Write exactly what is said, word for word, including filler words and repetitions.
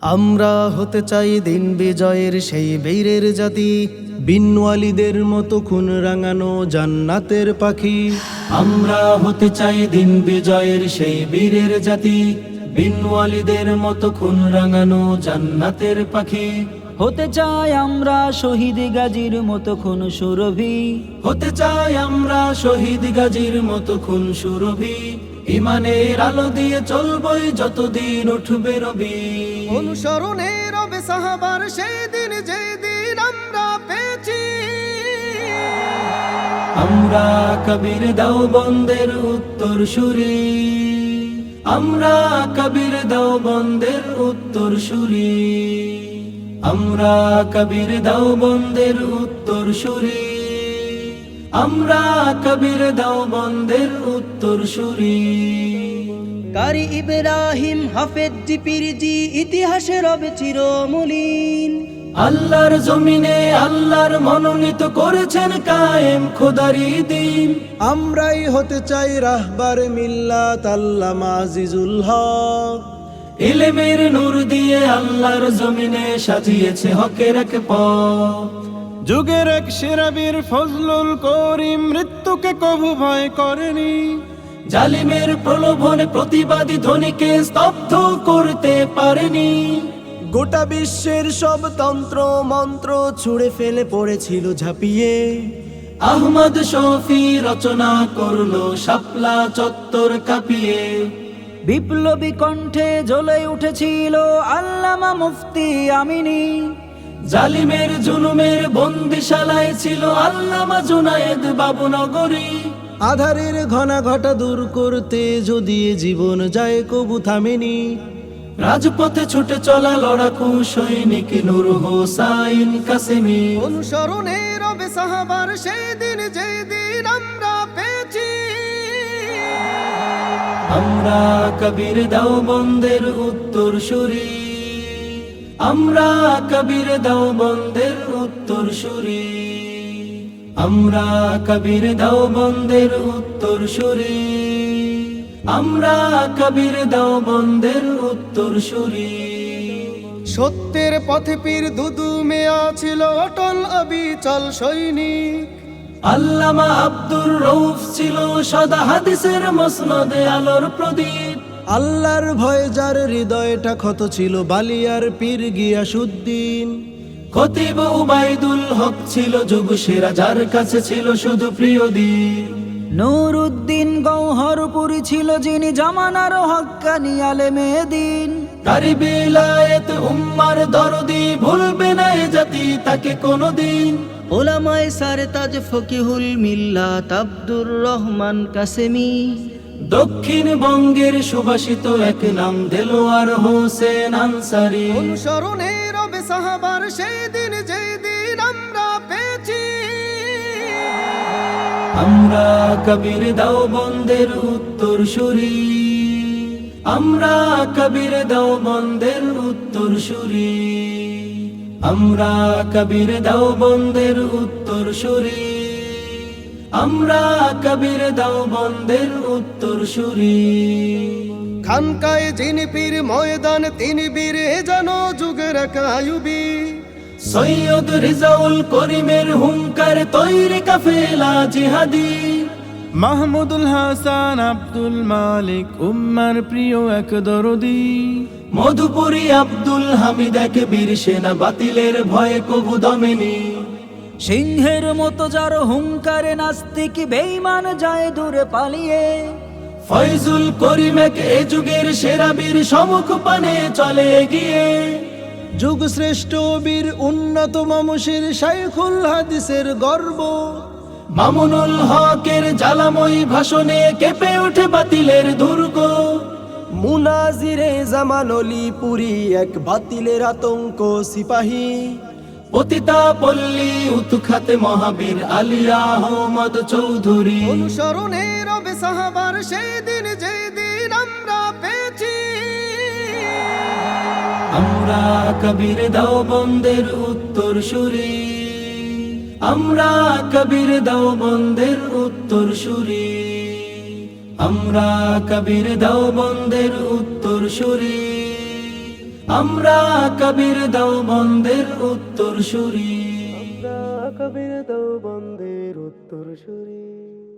আমরা হতে চাই দিন বিজয়ের সেই বীরের জাতি, বিনওয়ালিদের মতো খুন রাঙানো জান্নাতের পাখি। আমরা হতে চাই দিন বিজয়ের সেই বীরের জাতি, বিনওয়ালিদের মতো খুন রাঙানো জান্নাতের পাখি। হতে চাই আমরা শহীদ গাজীর মতো খুন সুরভি, হতে চাই আমরা শহীদ গাজীর মতো খুন সুরভি। ইমানের আলো দিয়ে চলবই যতদিন উঠবে রবি। অনুসরণে রবে সাহাবার সেই দিন যেই দিন আমরা পেয়েছি। আমরা কবির দাও বন্দের উত্তর সুরি, আমরা কবির দাও বন্দের উত্তর সুরি, আমরা কবির দাও বন্দের উত্তর সুরি, আমরা কবির দাও বন্দের উত্তর সুরি। কারি ইব্রাহিম হাফেজ জিপিরজি ইতিহাসে রবে চিরমলিন। আল্লাহর জমিনে আল্লাহর মনোনীত করেছেন কায়েম খোদারি দিন। আমরাই হতে চাই রাহবার মিল্লাত আল্লামা আজিজুল হক। ইলমের নূর দিয়ে আল্লাহর জমিনে সাজিয়েছে হকের এক পথ। যুগের এক সেরা বীর ফজলুল করিম মৃত্যুকে কভু ভয় করেনি। জালিমের প্রলোভনে প্রতিবাদী ধ্বনিকে স্তব্ধ করতে পারেনি। গোটা বিশ্বের সব তন্ত্র মন্ত্র ছুঁড়ে ফেলে পড়েছিল ঝাঁপিয়ে। আহমদ শফি রচনা করলো শাপলা চত্বর কাঁপিয়ে। বিপ্লবী কণ্ঠে জ্বলে উঠেছিল আল্লামা মুফতি আমিনী। জালিমের জুলুমের বন্দিশালায় ছিল আল্লামা জুনায়েদ বাবুনগরী। আধারের ঘনা ঘটা দূর করতে যদি এ জীবন যায় কবু থামেনি। রাজপথে ছুটে চলা লড়াকু সৈনিক নূর হোসাইন কাসেমি। অনুসরণে রবে সাহাবার সেই দিন যেই দিন আমরা পেয়েছি। আমরা কবির দাও বন্দের উত্তর সুরি, আমরা কবির দাও বন্দের উত্তর সুরি, আমরা কবির দাও বন্দের উত্তর সুরি, আমরা কবির দাও বন্দের উত্তর সুরি। সত্যের পথে পীর দুদু মেয়া ছিল অটল অবিচল সৈনিক। আল্লামা আব্দুর রউফ ছিল সদা হাদিসের মসনদে আলোর প্রদীপ। আল্লাহর ভয় যার হৃদয়টা ক্ষত ছিল বালিয়ার পীর গিয়াসউদ্দিন। খতিব উবাইদুল হক ছিল যুগ সেরা যার কাছে ছিল শুধু প্রিয় দিন। নুরউদ্দিন গৌহরপুরী ছিল যিনি জামানার হক্কানি আলেমে দিন। কারি বিলায়েত উম্মার দরদি ভুলবে না এ জাতি তাকে কোনদিন। ওলামায়ে সারতাজ ফকিহুল মিল্লাত আব্দুর রহমান কাসেমি। দক্ষিণবঙ্গের সুভাষিত এক নাম দেলোয়ার হোসেন আনসারী। অনুসরণে রবে সাহাবার সেই দিন যেই দিন আমরা পেয়েছি। আমরা কবির দাও বন্দের উত্তর সুরি, আমরা কবির দাও বন্দের উত্তর সুরি, আমরা কবির দাও বন্দের উত্তর সুরি, আমরা কবির দাও বন্দের উত্তর সুরি। খানকায় যিনি পীর ময়দান তিনি বীর এ যেন যুগের এক আয়ুবী। সৈয়দ রিজাউল করিমের হুঙ্কার তৈরি কাফেলা জিহাদি। মাহমুদুল হাসান আব্দুল মালিক উম্মার প্রিয় এক দরদি। মধুপুরী আব্দুল হামিদ এক বীর সেনা বাতিলের ভয়ে কবু দমেনি। সিংহের মতো যার হুঙ্কারে নাস্তিক বেঈমান যায় দূরে পালিয়ে। ফয়জুল করিম এক এ যুগের সেরা বীর সমুখ পানে চলে এগিয়ে। যুগ শ্রেষ্ঠ বীর উন্নত মামুষের শাইখুল হাদিসের গর্ব। মামুনুল হকের জ্বালাময়ী ভাষণে কেঁপে ওঠে বাতিলের দুর্গ। মুনাজিরে জামান অলি পুরী এক বাতিলের আতঙ্ক সিপাহী। পতিতা পল্লী উৎখাতে মহাবীর আলিয়া আহমদ চৌধুরী। অনুসরণে রবে সাহাবার সেই দিন যেই দিন আমরা পেয়েছি। আমরা কবির দাও বন্দের উত্তর সুরি, আমরা কবির দাও বন্দের উত্তর সুরি, আমরা কবির দাও বন্দের উত্তর সুরি, আমরা কবির দাও বন্দের উত্তর সুরি কবির দাও বন্দের উত্তর সুরি।